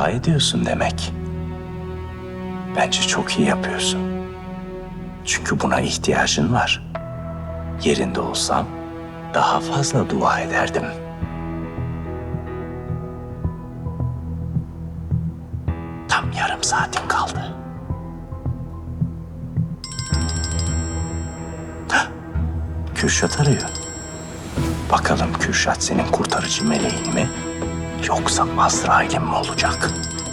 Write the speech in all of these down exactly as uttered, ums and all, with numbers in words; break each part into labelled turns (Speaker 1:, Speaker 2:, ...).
Speaker 1: dua ediyorsun demek. Bence çok iyi yapıyorsun. Çünkü buna ihtiyacın var. Yerinde olsam daha fazla dua ederdim. Tam yarım saatin kaldı. Hah, Kürşat arıyor. Bakalım Kürşat senin kurtarıcı meleğin mi? Yoksa Azrail'in mi olacak?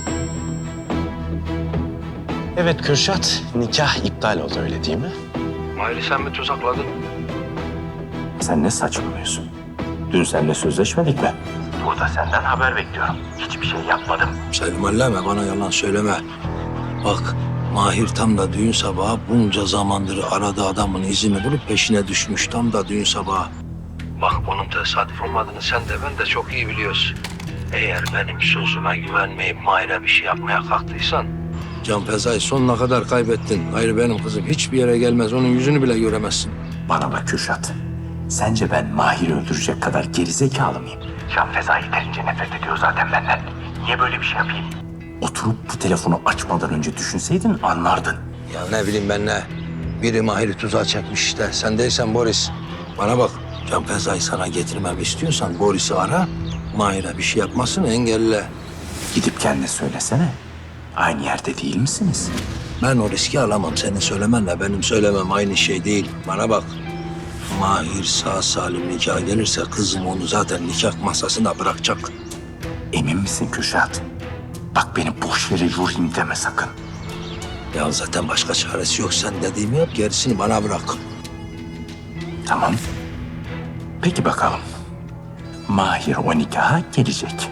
Speaker 1: Evet Kürşat, nikah iptal oldu öyle değil mi?
Speaker 2: Mahir'i sen mi tuzakladın?
Speaker 1: Sen ne saçmalıyorsun? Dün seninle sözleşmedik mi? Burada senden haber bekliyorum. Hiçbir şey yapmadım.
Speaker 2: Sevmelleme, bana yalan söyleme. Bak, Mahir tam da düğün sabahı bunca zamandır aradığı adamın izini bulup peşine düşmüş. Tam da düğün sabahı. Bak, onun tesadüf olmadığını sen de ben de çok iyi biliyoruz. Eğer benim sözüme güvenmeyip Mahir'e bir şey yapmaya kalktıysan... Can Feza'yı sonuna kadar kaybettin. Hayır benim kızım hiçbir yere gelmez. Onun yüzünü bile göremezsin.
Speaker 1: Bana bak Kürşat. Sence ben Mahir'i öldürecek kadar gerizekalı mıyım? Can Feza yeterince nefret ediyor zaten benden. Niye böyle bir şey yapayım? Oturup bu telefonu açmadan önce düşünseydin anlardın.
Speaker 2: Ya ne bileyim ben ne. Biri Mahir'i tuzağa çekmiş işte. Sen değilsen Boris. Bana bak. Can Feza'yı sana getirmemi istiyorsan Boris'i ara. Mahir'e bir şey yapmasını engelle.
Speaker 1: Gidip kendine söylesene. Aynı yerde değil misiniz?
Speaker 2: Ben o riski alamam. Senin söylemenle benim söylemem aynı şey değil. Bana bak. Mahir sağ salim nikah gelirse kızım onu zaten nikah masasına bırakacak.
Speaker 1: Emin misin Kürşat? Bak beni boş yere yorayım deme sakın.
Speaker 2: Ya zaten başka çaresi yok. Sen dediğimi yap, gerisini bana bırak.
Speaker 1: Tamam. Peki bakalım. Mahir o nikaha gelecek.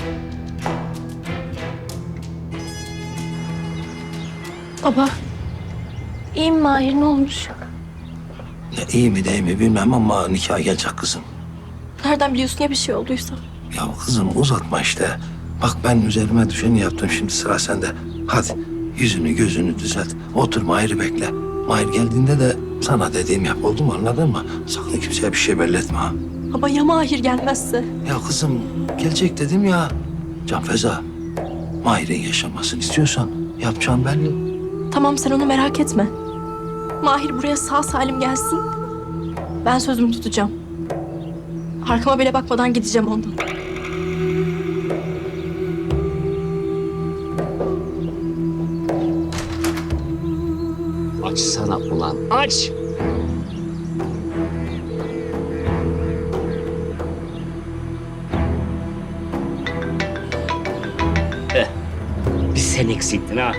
Speaker 3: Baba, iyi mi Mahir, ne olmuş?
Speaker 2: Ya iyi mi değil mi bilmem ama nikah gelecek kızım.
Speaker 3: Nereden biliyorsun ya bir şey olduysa?
Speaker 2: Ya kızım uzatma işte. Bak ben üzerime düşeni yaptım, şimdi sıra sende. Hadi yüzünü gözünü düzelt. Otur Mahir'i bekle. Mahir geldiğinde de sana dediğim yap, oldu mu, anladın mı? Sakın kimseye bir şey belli etme ha.
Speaker 3: Baba ya Mahir gelmezse?
Speaker 2: Ya kızım gelecek dedim ya. Can Feza, Mahir'in yaşamasını istiyorsan yapacağım belli.
Speaker 3: Tamam, sen onu merak etme. Mahir buraya sağ salim gelsin. Ben sözümü tutacağım. Arkama bile bakmadan gideceğim ondan.
Speaker 4: Açsana ulan, aç! Heh, bir sen eksiktin ha.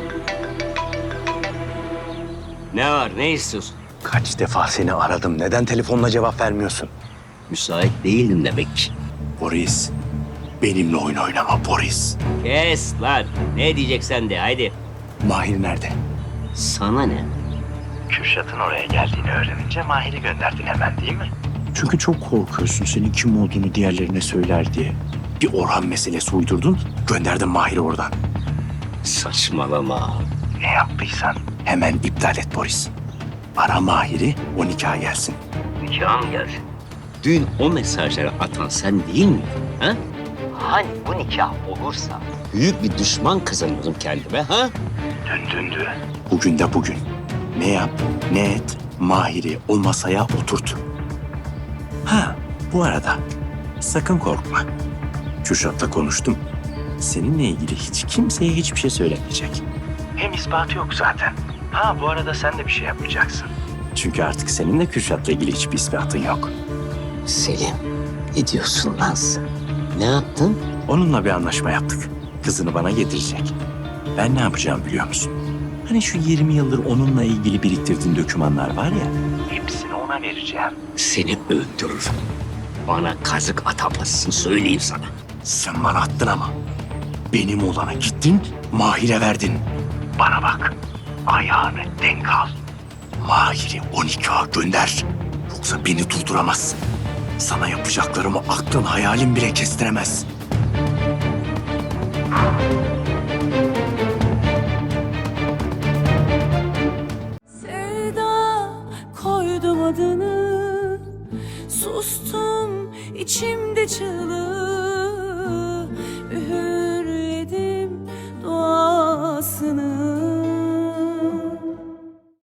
Speaker 4: Ne var, ne istiyorsun?
Speaker 1: Kaç defa seni aradım. Neden telefonla cevap vermiyorsun?
Speaker 4: Müsait değildin demek ki.
Speaker 1: Boris. Benimle oyun oynama Boris.
Speaker 4: Kes lan, ne diyeceksen de haydi.
Speaker 1: Mahir nerede?
Speaker 4: Sana ne?
Speaker 1: Kürşat'ın oraya geldiğini öğrenince Mahir'i gönderdin hemen değil mi? Çünkü çok korkuyorsun senin kim olduğunu diğerlerine söyler diye. Bir Orhan meselesi uydurdun, gönderdin Mahir'i oradan.
Speaker 4: Saçmalama.
Speaker 1: Ne yaptıysan hemen iptal et Boris. Ara Mahir'i, o nikaha gelsin.
Speaker 4: Nikah mı gelsin? Dün o mesajları atan sen değil miydin? Ha? Hani bu nikah olursa büyük bir düşman kazanırım kendime ha?
Speaker 1: Dün dündü. Bugün de bugün. Ne yap, ne et, Mahir'i o masaya oturt. Ha, bu arada sakın korkma. Kürşat'la konuştum. Seninle ilgili hiç kimseye hiçbir şey söylemeyecek. Hem ispatı yok zaten. Ha, bu arada sen de bir şey yapmayacaksın. Çünkü artık seninle Kürşat'la ilgili hiçbir ispatın yok.
Speaker 4: Selim, ne diyorsun lan sen? Ne yaptın?
Speaker 1: Onunla bir anlaşma yaptık. Kızını bana getirecek. Ben ne yapacağım biliyor musun? Hani şu yirmi yıldır onunla ilgili biriktirdiğin dokümanlar var ya, hepsini ona vereceğim.
Speaker 4: Seni öldürürüm. Bana kazık atamazsın söyleyeyim sana.
Speaker 1: Sen bana attın ama. Benim olana gittin, Mahir'e verdin. Bana bak, ayağını denk al. Mahir'i o nikaha gönder. Yoksa beni durduramazsın. Sana yapacaklarımı aklın hayalin bile kestiremez.
Speaker 5: Sevda koydum adını, sustum içimde çığlığı, üğürledim duasını